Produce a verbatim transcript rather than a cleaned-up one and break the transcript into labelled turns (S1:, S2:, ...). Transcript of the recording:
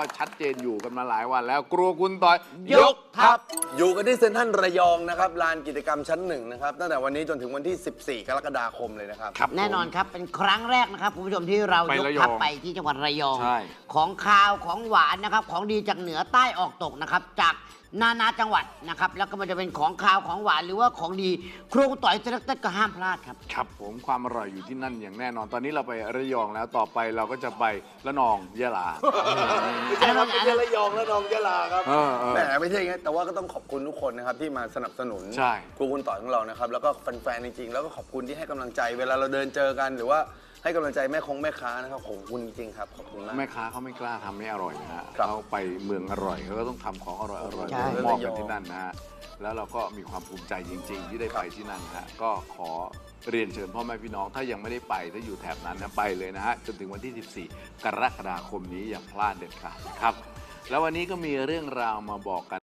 S1: ชัดเจนอยู่กันมาหลายวันแล้วครัวคุณต่อยยกทัพ
S2: อยู่กันที่เซ็นทรัลระยองนะครับลานกิจกรรมชั้นหนึ่งนะครับตั้งแต่วันนี้จนถึงวันที่สิบสี่กรกฎาคมเลยนะครับ
S1: ครับ
S3: แน่นอนครับเป็นครั้งแรกนะครับคุณผู้ชมที่เรายกทัพไปที่จังหวัดระยอง
S1: ใช่
S3: ของคาวของหวานนะครับของดีจากเหนือใต้ออกตกนะครับจากนานาจังหวัดนะครับแล้วก็มันจะเป็นของคาวของหวานหรือว่าของดีครัวคุณต่อยเซ็นทรัลก็ห้ามพลาดครับ
S1: ครับผมความอร่อยอยู่ที่นั่นอย่างแน่นอนตอนนี้เราไประยองแล้วต่อไปเราก็จะไประนองยะลา
S2: ไม่ใช่ครับไม่ใช่ระยองระนองยะลาครับ
S1: เออเออ
S2: แหมไม่ใช่งั้นแต่ว่าก็ต้องขอบคุณทุกคนนะครับที่มาสนับสนุน
S1: ใช่
S2: ครูคุณต่อยของเรานะครับแล้วก็แฟนๆจริงๆแล้วก็ขอบคุณที่ให้กำลังใจ เวลาเราเดินเจอกันหรือว่าให้กำลังใจแม่คงแม่ค้านะครับขอบคุณจริงๆครับขอบคุณมาก
S1: แม่ค้าเขาไม่กล้าทำไม่อร่อยนะฮะ
S2: ครับ
S1: เขาไปเมืองอร่อยเขาก็ต้องทำของอร่อยอร่อย
S3: ใช่
S1: มอบกันที่นั่นนะฮะแล้วเราก็มีความภูมิใจจริง ๆ ที่ได้ไปที่นั่นนะฮะก็ขอเรียนเชิญพ่อแม่พี่น้องถ้ายังไม่ได้ไปถ้าอยู่แถบนั้นนะไปเลยนะฮะจนถึงวันที่สิบสี่กรกฎาคมนี้อย่าพลาดเด็ดขาดนะครับแล้ววันนี้ก็มีเรื่องราวมาบอกกัน